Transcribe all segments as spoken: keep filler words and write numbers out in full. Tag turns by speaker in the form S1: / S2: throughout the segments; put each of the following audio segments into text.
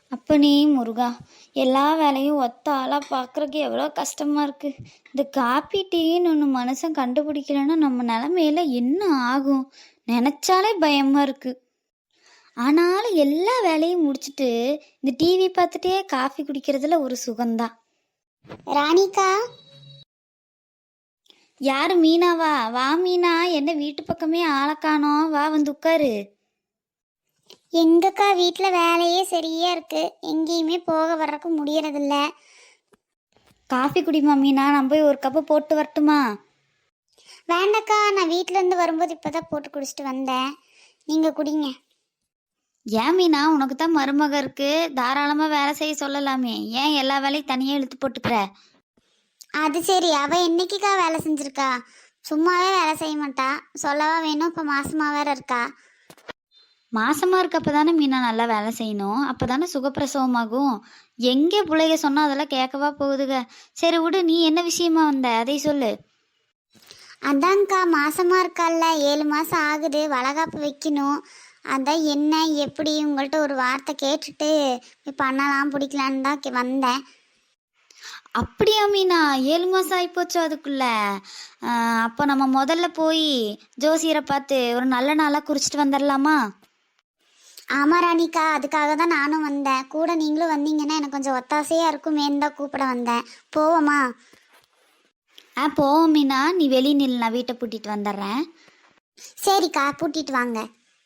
S1: அப்பனே முருகா, எல்லா வேலையும் ஒத்த ஆளாக பார்க்குறக்கு எவ்வளோ கஷ்டமாக இருக்குது. இந்த காப்பி டீன்னு ஒன்று மனுஷன் கண்டுபிடிக்கலன்னா நம்ம நிலமையில என்ன ஆகும் நினச்சாலே பயமாக இருக்குது. ஆனாலும் எல்லா வேலையும் முடிச்சுட்டு இந்த டிவி பார்த்துட்டே காஃபி குடிக்கிறதுல ஒரு சுகம்தான்.
S2: ராணிக்கா,
S1: யார் மீனாவா? வா மீனா, என்ன வீட்டு பக்கமே ஆளை காணோம், வா வந்து உட்காரு.
S2: எங்கக்கா வீட்டில் வேலையே சரியா இருக்கு, எங்கேயுமே போக வர்றக்கு முடியறதில்ல.
S1: காஃபி குடிமா மீனா, நான் போய் ஒரு கப்பு போட்டு வரட்டுமா?
S2: வேண்டக்கா, நான் வீட்டில இருந்து வரும்போது இப்பதான் போட்டு குடிச்சிட்டு வந்தேன், நீங்க குடிங்க.
S1: ஏன் மீனா, உனக்கு தான் மருமக இருக்கு, தாராளமாக வேலை செய்ய சொல்லலாமே, ஏன் எல்லா வேலையும் தனியாக இழுத்து போட்டுக்கிற?
S2: அது சரி, அவ என்னைக்குக்கா வேலை செஞ்சிருக்கா? சும்மாவே வேலை செய்ய மாட்டா, சொல்லவா வேணும், இப்போ மாசமா வேற இருக்கா.
S1: மாசமாக இருக்கப்ப தானே மீனா நல்லா வேலை செய்யணும், அப்போ தானே சுகப்பிரசவமாகும். எங்கே பிள்ளைக சொன்னால் அதெல்லாம் கேட்கவா போகுதுங்க. சரி விடு, நீ என்ன விஷயமா வந்த அதை சொல்லு.
S2: அதான்க்கா, மாசமா இருக்கால்ல, ஏழு மாசம் ஆகுது, வளகாப்பு வைக்கணும். அதான் என்ன எப்படி உங்கள்கிட்ட ஒரு வார்த்தை கேட்டுட்டு பண்ணலாம் பிடிக்கலான்னு தான் கே- வந்தேன்.
S1: அப்படியா மீனா, ஏழு மாதம் ஆகிப்போச்சோ அதுக்குள்ள? அப்போ நம்ம முதல்ல போய் ஜோசியரை பார்த்து ஒரு நல்ல நாளாக குறிச்சிட்டு வந்துடலாமா?
S2: ஆமா ராணிக்கா, அதுக்காக தான் நானும் வந்தேன். கூட நீங்களும் வந்தீங்கன்னா எனக்கு கொஞ்சம் ஒத்தாசையா இருக்குமேன்னு தான் கூப்பிட வந்தேன். போவோமா?
S1: ஆ போவோம் மீனா, நீ வெளி நில், நான் வீட்டை பூட்டிட்டு வந்துடுறேன்.
S2: சரிக்கா, பூட்டிட்டு வாங்க.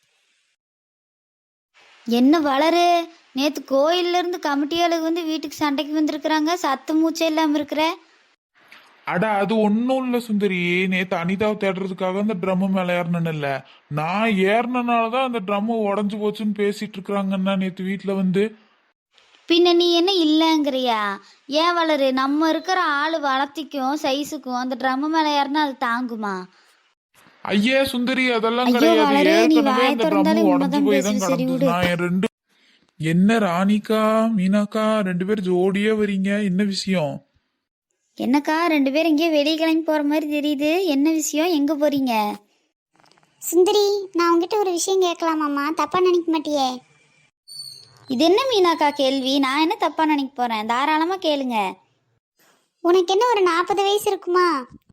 S1: என்ன வளரு, நேற்று கோயிலிருந்து கமிட்டியாளுக்கு வந்து வீட்டுக்கு சண்டைக்கு வந்திருக்கிறாங்க, சத்து மூச்சே இல்லாமல் இருக்கிற.
S3: அட அது ஒன்றும் இல்லை சுந்தரி, நேற்று அனிதாவை தேடுறதுக்காக அந்த ட்ரம்மு மேலே ஏறினேன்னு இல்லை, நான் ஏறினால தான் அந்த ட்ரம்மு உடஞ்சி போச்சுன்னு பேசிட்டு இருக்கிறாங்கன்னா நேற்று வீட்டில் வந்து.
S1: பின்ன நீ என்ன இல்லைங்கிறியா? ஏன் வளரு, நம்ம இருக்கிற ஆள் வளர்த்திக்கும் சைஸுக்கும் அந்த ட்ரம்மு மேலே ஏறினா அது தாங்குமா?
S3: ஐயே சுந்தரி, அதெல்லாம்
S1: ஐயோ
S3: கிடையாது,
S1: வளரு, நீ
S3: ஏற்கனவே
S1: வாயை
S3: அந்த
S1: திறந்தாலே
S3: ட்ரம்மு உடஞ்சி
S1: உண்மைதான்
S3: போய் தான்
S1: பேசு, சரி
S3: கிடந்தது.
S1: விடு.
S3: நான் என் ரெண்டு என்ன ராணிக்கா மீனாக்கா ரெண்டு பேரும் ஜோடியா வரீங்க, என்ன விஷயம்?
S1: என்னக்கா, ரெண்டு பேரும் இங்கேயே வெளியே கிளம்பி போகிற மாதிரி தெரியுது, என்ன விஷயம், எங்கே போகிறீங்க?
S2: சுந்தரி, நான் உங்ககிட்ட ஒரு விஷயம் கேட்கலாமாம்மா? தப்பா நினைக்க மாட்டியே?
S1: இது என்ன மீனாக்கா கேள்வி? நான் என்ன தப்பாக நினைக்க போகிறேன், தாராளமாக கேளுங்க.
S2: உனக்கு என்ன ஒரு நாற்பது வயசு இருக்குமா?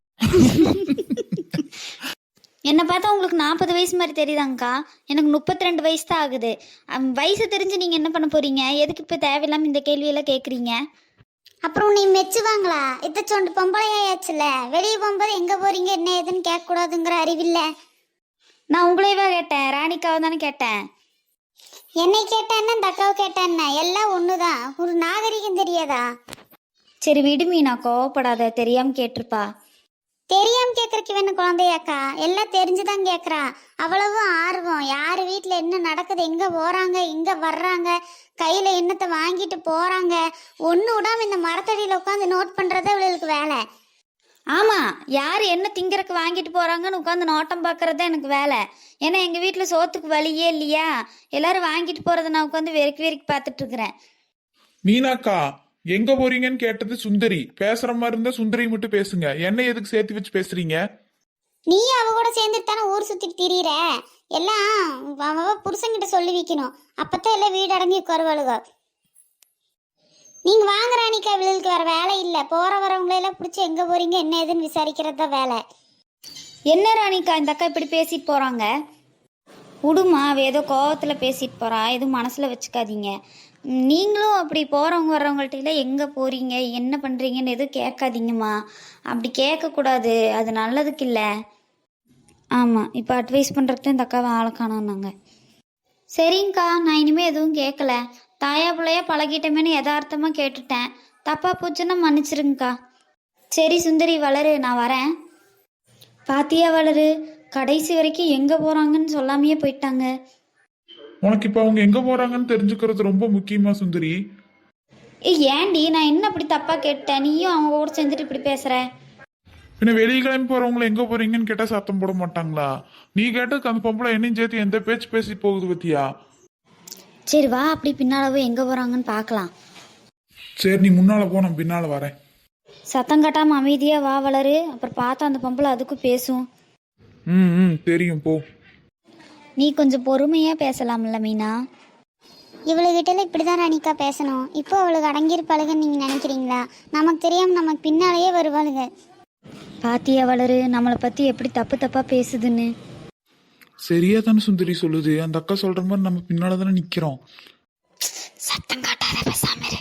S1: என்னை பார்த்தா உங்களுக்கு நாற்பது வயசு மாதிரி தெரியுதாங்க்கா? எனக்கு முப்பத்தி ரெண்டு வயசு தான் ஆகுது. அம், வயசு தெரிஞ்சு நீங்கள் என்ன பண்ண போகிறீங்க? எதுக்கு இப்போ தேவையில்லாமல் இந்த கேள்வியெல்லாம் கேட்குறீங்க?
S2: அப்புறம் உன்னை மெச்சுவாங்களா? இத்த சொண்டு பொம்பளையாச்சுல, வெளியே போகும்போது எங்க போறீங்க என்ன ஏதுன்னு கேட்க கூடாதுங்கிற அறிவில்ல.
S1: நான் உங்களையவா கேட்டேன், ராணிக்காவை தானே கேட்டேன்.
S2: என்னை கேட்டேன்னா இந்த அக்காவை கேட்டேன்னா எல்லாம் ஒண்ணுதான், ஒரு நாகரிகம் தெரியாதா?
S1: சரி விடு மீனா, கோவப்படாத, தெரியாமல் கேட்டிருப்பா.
S2: தெரியாம கேக்குறக்கு வேணும் குழந்தையாக்கா, எல்லாம் தெரிஞ்சுதான் கேக்குறா. அவ்வளவு ஆர்வம், யாரு வீட்டுல என்ன நடக்குது, எங்க போறாங்க எங்க வர்றாங்க, கையில என்னத்தை வாங்கிட்டு போறாங்க, ஒண்ணு விடாம இந்த மரத்தடியில உட்காந்து நோட் பண்றதே இவளுக்கு வேலை.
S1: ஆமாம், யார் என்ன திங்கிறக்கு வாங்கிட்டு போகிறாங்கன்னு உட்காந்து நோட்டம் பார்க்குறது தான் எனக்கு வேலை. ஏன்னா எங்கள் வீட்டில் சோத்துக்கு வழியே இல்லையா, எல்லாரும் வாங்கிட்டு போகிறத நான் உட்காந்து வெறுக்கி வெறுக்கி பார்த்துட்ருக்குறேன்.
S3: மீனாக்கா எங்க போறீங்கன்னு கேட்டது சுந்தரி, பேசுற மாதிரி இருந்தா சுந்தரி மட்டும் பேசுங்க, என்ன எதுக்கு சேர்த்து வச்சு பேசுறீங்க?
S2: நீ அவ கூட சேர்ந்துட்டு தானே ஊர் சுத்திட்டு திரியிற, எல்லாம் அவ அவ புருஷன்கிட்ட சொல்லி வைக்கணும், அப்பதான் எல்லாம் வீடு அடங்கி உட்காருவாளுக. நீங்க வாங்க ராணிக்கா, இவளுக்கு வேற வேலை இல்லை, போற வரவங்களெல்லாம் பிடிச்சி எங்க போறீங்க என்ன ஏதுன்னு விசாரிக்கிறது தான் வேலை.
S1: என்ன ராணிக்கா, இந்த அக்கா இப்படி பேசிட்டு போகிறாங்க? விடுமா, அவ ஏதோ கோவத்தில் பேசிட்டு போகிறா, எதுவும் மனசில் வச்சுக்காதீங்க. ம், நீங்களும் அப்படி போகிறவங்க வர்றவங்கள்ட்ட எங்கே போகிறீங்க என்ன பண்ணுறீங்கன்னு எதுவும் கேட்காதீங்கம்மா. அப்படி கேட்கக்கூடாது, அது நல்லதுக்கு இல்லை. ஆமாம், இப்போ அட்வைஸ் பண்ணுறதுக்கு இந்த அக்காவை ஆளை காணோன்னாங்க. சரிங்கக்கா, நான் இனிமேல் எதுவும் கேட்கல, தாயா பிள்ளையா பழகிட்டமேனு யதார்த்தமாக கேட்டுட்டேன், தப்பாக போச்சுன்னா மன்னிச்சிருங்கக்கா. சரி சுந்தரி, வளரு, நான் வரேன். பாத்தியா வளரு, கடைசி வரைக்கும் எங்கே போகிறாங்கன்னு சொல்லாமையே போயிட்டாங்க.
S3: உனக்கு இப்ப அவங்க எங்க போறாங்கன்னு தெரிஞ்சுக்கிறது ரொம்ப முக்கியமா சுந்தரி?
S1: ஏ ஏண்டி, நான் என்ன அப்படி தப்பாக கேட்டேன், நீயும் அவங்க கூட சேர்ந்துட்டு இப்படி பேசுகிற?
S3: பின்ன வெளியே கிளம்பி போறவங்கள எங்க போறீங்கன்னு கேட்டா சத்தம் போட மாட்டாங்களா? நீ கேட்டதுக்கு அந்த பொம்பளை என்னையும் சேர்த்து எந்த பேச்சு பேசி போகுது பத்தியா?
S1: சரி வா, அப்படி பின்னாலவே எங்கே போகிறாங்கன்னு பார்க்கலாம்.
S3: சரி நீ முன்னால போ, நான் பின்னால வரேன்.
S1: சத்தம் கட்டாமல் அமைதியாக வா வளரு, அப்புறம் பார்த்தா அந்த பொம்பளை அதுக்கும் பேசும்.
S3: ம் ம் தெரியும், போ.
S1: நீ கொஞ்சம் பொறுமையாக பேசலாம்ல மீனா?
S2: இவளுகிட்ட இப்படி தான் ராணிக்கா பேசணும். இப்போ அவளுக்கு அடங்கியிருப்பாளுகன்னு நீங்கள் நினைக்கிறீங்களா? நமக்கு தெரியாமல் நமக்கு பின்னாலேயே வருவாளுங்க.
S1: பாத்தியா வளரு நம்மளை பற்றி எப்படி தப்பு தப்பாக பேசுதுன்னு.
S3: சரியா தானே சுந்தரி சொல்லுது. அந்த அக்கா சொல்ற மாதிரி நம்ம பின்னால தானே நிக்கிறோம்.
S1: சத்தம் காட்டாத பேசாம இரு.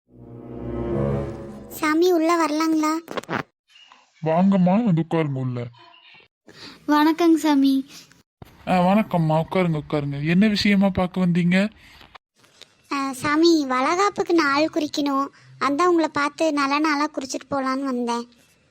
S2: சாமி உள்ளே வரலாங்களா?
S3: வாங்கம்மா, வந்து உட்காருங்க உள்ள.
S1: வணக்கங்க சாமி.
S3: ஆ, வணக்கம்மா, உட்காருங்க உட்காருங்க. என்ன விஷயமா பார்க்க வந்தீங்க?
S2: அஹ், சாமி வளகாப்புக்கு நாள் குறிக்கணும். அதான் உங்களை பார்த்து நல்ல நாளாக குறிச்சிட்டு போகலான்னு வந்தேன்.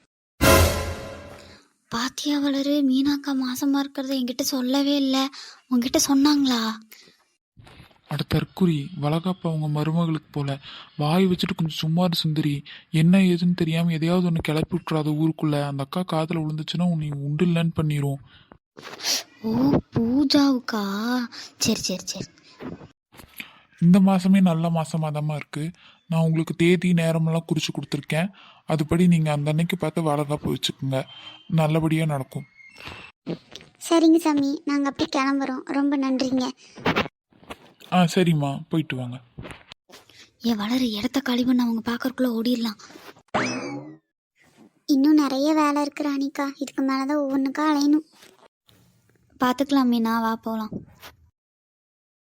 S1: பாத்தியா வளரு மீனாக்கா மாசமா இருக்கிறத என்கிட்ட சொல்லவே இல்லை. உங்ககிட்ட சொன்னாங்களா?
S3: அட தற்குறி, வளகாப்பு அவங்க மருமகளுக்கு போல. வாய் வச்சுட்டு கொஞ்சம் சும்மா இரு சுந்தரி. என்ன ஏதுன்னு தெரியாம எதையாவது ஒன்று கிளப்பி விட்டுறாத ஊருக்குள்ள. அந்த அக்கா காதில் விழுந்துச்சுன்னா உன்னை உண்டு இல்லைன்னு பண்ணிரும்.
S1: ஓ பூஜாவுக்கா? சரி சரி சரி.
S3: இந்த மாசமே நல்ல மாசமா தாம்மா இருக்கு. நான் உங்களுக்கு தேதி நேரமெல்லாம் குறிச்சு கொடுத்துருக்கேன். அதுபடி நீங்க அந்த அன்னைக்கு பார்த்து வளகாப்பு வச்சுக்கோங்க. நல்லபடியா நடக்கும்.
S2: சரிங்க சாமி, நாங்கள் அப்படி கிளம்புறோம். ரொம்ப நன்றிங்க.
S3: ஆ சரிம்மா, போயிட்டு வாங்க.
S1: ஏ வளரு இடத்த காலி பண்ண அவங்க பார்க்கறக்குள்ள ஓடிடலாம்.
S2: இன்னும் நிறைய வேலை இருக்கு ராணிக்கா. இதுக்கு மேலே தான் ஒவ்வொன்றுக்கா அலையணும்.
S1: பார்த்துக்கலாம் மீனா, வா போகலாம்.